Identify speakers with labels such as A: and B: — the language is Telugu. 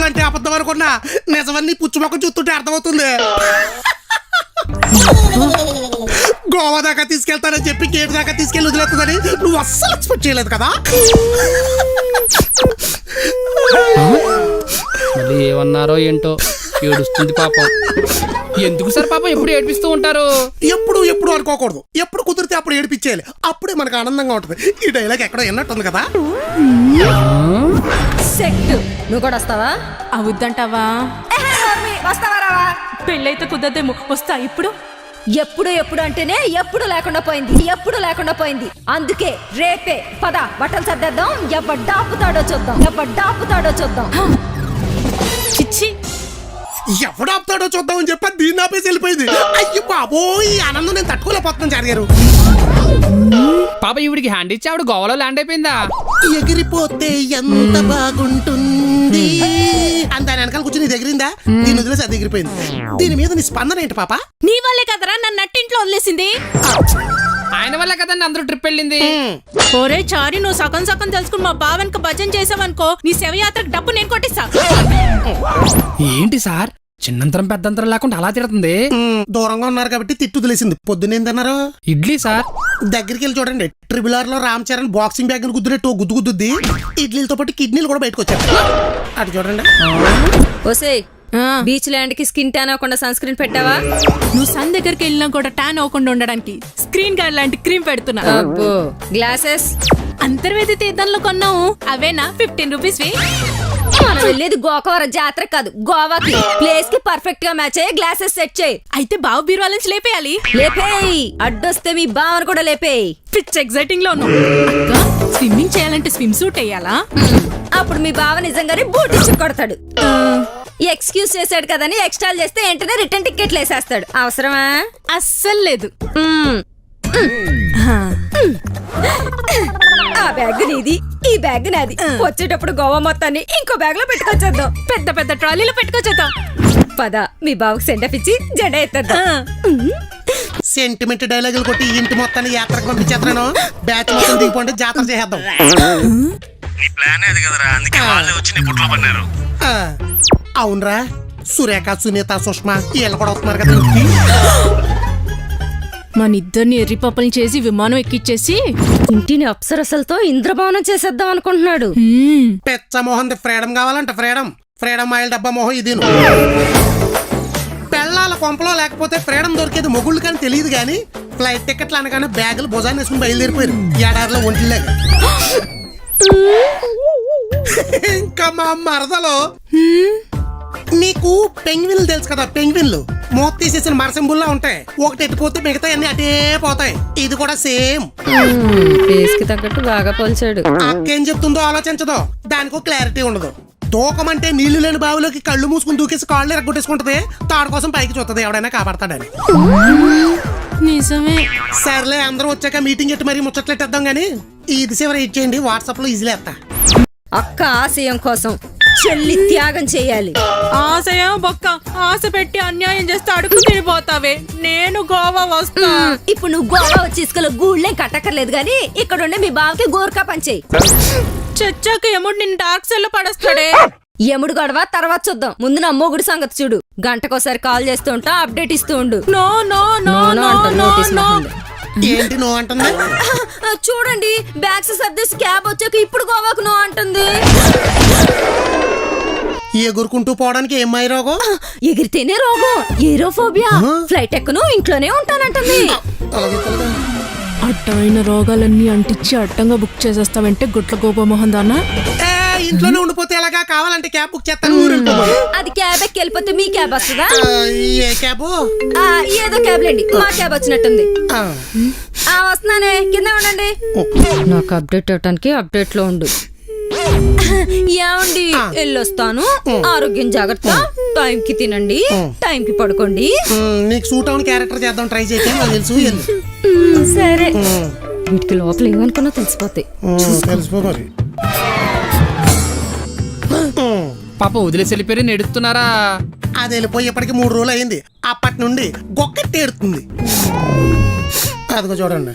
A: అంటే అబద్ధం అనుకున్నా, నిజమని పుచ్చు మొక్క చూస్తుంటే అర్థమవుతుంది. గోవా దాకా తీసుకెళ్తానని చెప్పి గేట్ దాకా తీసుకెళ్ళి వదిలేస్తుందని నువ్వు అస్సలు ఎక్స్పెక్ట్ చేయలేదు కదా.
B: మళ్ళీ ఏమన్నారో ఏంటో, ఏడుస్తుంది పాపం. ఎందుకు సార్ పాపం ఎప్పుడు ఏడిపిస్తూ ఉంటారు?
A: ఎప్పుడు ఎప్పుడు అనుకోకూడదు, ఎప్పుడు కుదిరితే అప్పుడు ఏడిపించేయాలి, అప్పుడే మనకు ఆనందంగా ఉంటుంది. ఈ డైలాగ్ ఎక్కడో విన్నట్టుంది కదా.
C: నువ్వు కూడా వస్తావా?
D: అవుద్దంటావా?
C: వస్తావా?
D: పెళ్ళైతే కుదరదేమో, వస్తా. ఇప్పుడు
C: ఎప్పుడు ఎప్పుడు అంటేనే ఎప్పుడు లేకుండా పోయింది. అందుకే రేపే పద బట్టలు సర్దేద్దాం. ఎవడ్డాపుతాడో చూద్దాం.
D: చిచ్చి,
A: ఎవడు ఆపుతాడో చూద్దామని చెప్పి దీన్ని ఆపేసి వెళ్ళిపోయింది. అయ్యి బాబోయ్, ఈ ఆనందం నేను తట్టుకోలేకపోతున్నాను జరిగారు.
B: పాప ఈవిడికి హ్యాండ్ ఇచ్చి ఆవిడ గోవాలో ల్యాండ్ అయిపోయిందా?
A: ఎగిరిపోతే ఎంత బాగుంటుంది అని దాని వెనకాల కూర్చొని ఎగిరిందా? దీని వదిలేసి అది ఎగిరిపోయింది. దీని మీద నీ స్పందన ఏంటి పాప?
D: నీ వల్లే కదరా నన్ను నట్టింట్లో వదిలేసింది.
B: ఆయన వల్ల కదండి అందరూ ట్రిప్ వెళ్ళింది.
D: ఒరే చారి, నువ్వు సగం సగం తెలుసుకుని మా బావన్కి భజన చేసావనుకో, నీ శవయాత్రకు డబ్బు నేను కొట్టిస్తా.
B: ఏంటి సార్ చిన్నంతరం పెద్దంతరం లేకుండా అలా తిడుతుంది?
A: దూరంగా ఉన్నారు కాబట్టి తిట్టు వదిలేసింది. పొద్దునేందన్నారు?
B: ఇడ్లీ సార్.
A: దగ్గరికి వెళ్ళి చూడండి, ట్రిబుల్ ఆర్ లో రామ్ చరణ్ బాక్సింగ్ బ్యాగ్ గుద్దునట్టు గుద్దుద్ది. ఇడ్లీలతో పాటు కిడ్నీలు కూడా బయటకు వచ్చాయి. అటు చూడండి.
C: ఓసేయ్, బీచ్ ల్యాండ్ కి స్కిన్ ట్యాన్ అవ్వకుండా సన్ స్క్రీన్ పెట్టావా?
D: నువ్వు సన్ దగ్గరికి వెళ్ళినా కూడా ట్యాన్ అవ్వకుండా ఉండడానికి స్క్రీన్ గార్డ్ లాంటి క్రీమ్ పెడుతున్నా.
C: అబ్బో, గ్లాసెస్
D: అంతర్వేది తీర్థంలో కొన్నావు, అవేనా 15 రూపీస్.
C: మనం వెళ్ళేది గోకవరం జాతర కాదు, గోవాకి. ప్లేస్ కి పర్ఫెక్ట్ గా మ్యాచ్ అయ్యే గ్లాసెస్ సెట్ చేయి.
D: అయితే బావు బీరువాల నుంచి లేపేయాలి.
C: లేపేయి, అడ్డొస్తే మీ బావను కూడా లేపేయి.
D: పిచ్ ఎగ్జైటింగ్ లో ఉన్నావు. స్విమ్మింగ్ చేయాలంటే స్విమ్ సూట్ వేయాలా?
C: అప్పుడు మీ బావ నిజంగానే బూట్ ఇచ్చి కొడతాడు. ఎక్స్క్యూజ్ చేశాడు కదని ఎక్స్ట్రాల్ చేస్తే వెంటనే రిటర్న్ టికెట్లు వేసేస్తాడు. అవసరమా?
D: అస్సలు లేదు.
C: ఆ బ్యాగ్ నీది, ఈ బ్యాగ్ నాది. వచ్చేటప్పుడు గోవా మొత్తాన్ని ఇంకో బ్యాగ్ లో పెట్టుకొచ్చేద్దాం.
D: పెద్ద పెద్ద ట్రాలీలో పెట్టుకొచ్చేద్దాం.
C: పద, మీ బావకు సెండప్ ఇచ్చి జెండా ఎత్తేద్దాం.
A: సెంటిమెంట్ డైలాగులు కొట్టి ఇంటి మొత్తాన్ని యాత్రకు పంపించేస్తాను. బ్యాచ్ మొత్తం దిగిపోండి, జాతర చేద్దాం.
E: నీ ప్లాన్ అది కదరా, అందుకే వాళ్ళే వచ్చి నీ పుట్లో పడినారు.
A: అవునరా, సురేఖ, సునీత, సుష్మా వీళ్ళు కూడా వస్తున్నారు కదా ఇంటికి.
D: మన ఇద్దరిని ఎర్రిపప్పల్ని చేసి విమానం ఎక్కిచ్చేసి
C: ఇంటిని అప్సరసలతో ఇంద్రభవనం చేసేద్దాం అనుకుంటున్నాడు.
A: పెచ్చ మోహన్ ఫ్రీడమ్ కావాలంట. ఫ్రీడమ్ ఆయిల్ డబ్బా మోహం ఇది. పెళ్ళాల కొంపలో లేకపోతే ఫ్రీడమ్ దొరికేది మొగుళ్ళు కానీ తెలియదు కానీ ఫ్లైట్ టికెట్లు అనగానే బ్యాగులు భుజాన్ని వేసుకుని బయలుదేరిపోయారు ఏడాదిలో ఒంటిలాగా. ఇంకా మా మరదలో నీకు పెంగ్విన్లు తెలుసు కదా, పెంగ్విన్లు మూత తీసేసిన మరసింబుల్లా ఉంటాయి. ఒకటి ఎట్టిపోతే మిగతా అన్ని అటే పోతాయి. ఇది కూడా సేమ్.
C: ఫేస్ కి తగ్గట్టు బాగా పోల్చాడు.
A: అక్కేం చెప్తుందో ఆలోచించదో, దానికో క్లారిటీ ఉండదు. దూకమంటే నీళ్లు లేని బావిలోకి కళ్ళు మూసుకుని దూకేసి కాళ్ళు ఎరగొట్టేసుకుంటది. తాడు కోసం పైకి చూస్తుంది, ఎవడైనా కాపాడతాడని.
D: నిజమే.
A: సర్లే, అందరూ వచ్చాక మీటింగ్ ఎట్టి మరీ ముచ్చట్లెట్టేద్దాం గానీ ఇది చివరి ఇచ్చేయండి, వాట్సాప్ లో ఈజీలే ఎత్తా.
C: అక్క ఆశయం కోసం చెల్లి త్యాగం చేయాలి.
D: ఆశయం బొక్క, ఆశ పెట్టి అన్యాయం చేస్తే అడుగు తిరిగిపోతావే. నేను గోవా వస్తా.
C: ఇప్పుడు నువ్వు గోవా వచ్చి ఇసుకలో గూళ్ళేం కట్టక్కర్లేదు గానీ ఇక్కడ ఉండే మీ బావకి గోర్ఖా పంచేయి.
D: చచ్చాక ఎముడు నిన్ను డార్క్ సెల్ లో పడేస్తాడే.
C: ఎముడు గొడవ తర్వాత చూద్దాం, ముందు నా మొగుడు సంగతి చూడు. గంటకోసారి కాల్ చేస్తూ ఉంటా, అప్డేట్ ఇస్తూ ఉండు.
D: No no no no no no.
A: ఏంటి నో అంటుంది?
C: చూడండి, బ్యాగ్స్ సర్దేసి క్యాబ్ వచ్చాక ఇప్పుడు గోవాకు నో అంటుంది.
A: ఎగురుకుంటూ పోవడానికి ఏమై రోగం?
C: ఎగిరితేనే రోగం, ఏరోఫోబియా. ఫ్లైట్ ఎక్కను, ఇంట్లోనే ఉంటానంటుంది.
D: అడ్డమైన రోగాలన్నీ అంటించి అడ్డంగా బుక్ చేసేస్తావంటే గుట్ల గోపమోహన్ దానా.
A: ఇంట్లోనే ఉండిపోతే ఎలాగా? కావాలంటే క్యాబ్ బుక్ చేస్తాను, ఊరు
C: అది క్యాబ్ ఎక్కి వెళ్ళిపోతే మీ క్యాబ్ వస్తుందా?
A: ఏ క్యాబ్?
C: ఏదో క్యాబ్ లేండి, మా క్యాబ్ వచ్చినట్టుంది. వస్తున్నానే, కింద ఉండండి. నాకు అప్డేట్ ఇవ్వటానికి అప్డేట్ లో ఉండు. ఏమండి, వెళ్ళొస్తాను. ఆరోగ్యం జాగ్రత్త, టైం కి తినండి, టైం కి పడుకోండి.
A: నీకు సూట్ అవును క్యారెక్టర్ చేద్దాం, ట్రై చేసి తెలుసు.
C: సరే, వీటికి లోపల ఏమనుకున్నా తెలిసిపోతాయి.
A: తెలిసిపో మరి.
B: పాపం వదిలేసి వెళ్ళిపోయి నెడుతున్నారా?
A: అది వెళ్ళిపోయి ఇప్పటికి 3 రోజులు అయింది. అప్పటి నుండి గొక్కట్టి ఏడుతుంది. అదిగో చూడండి.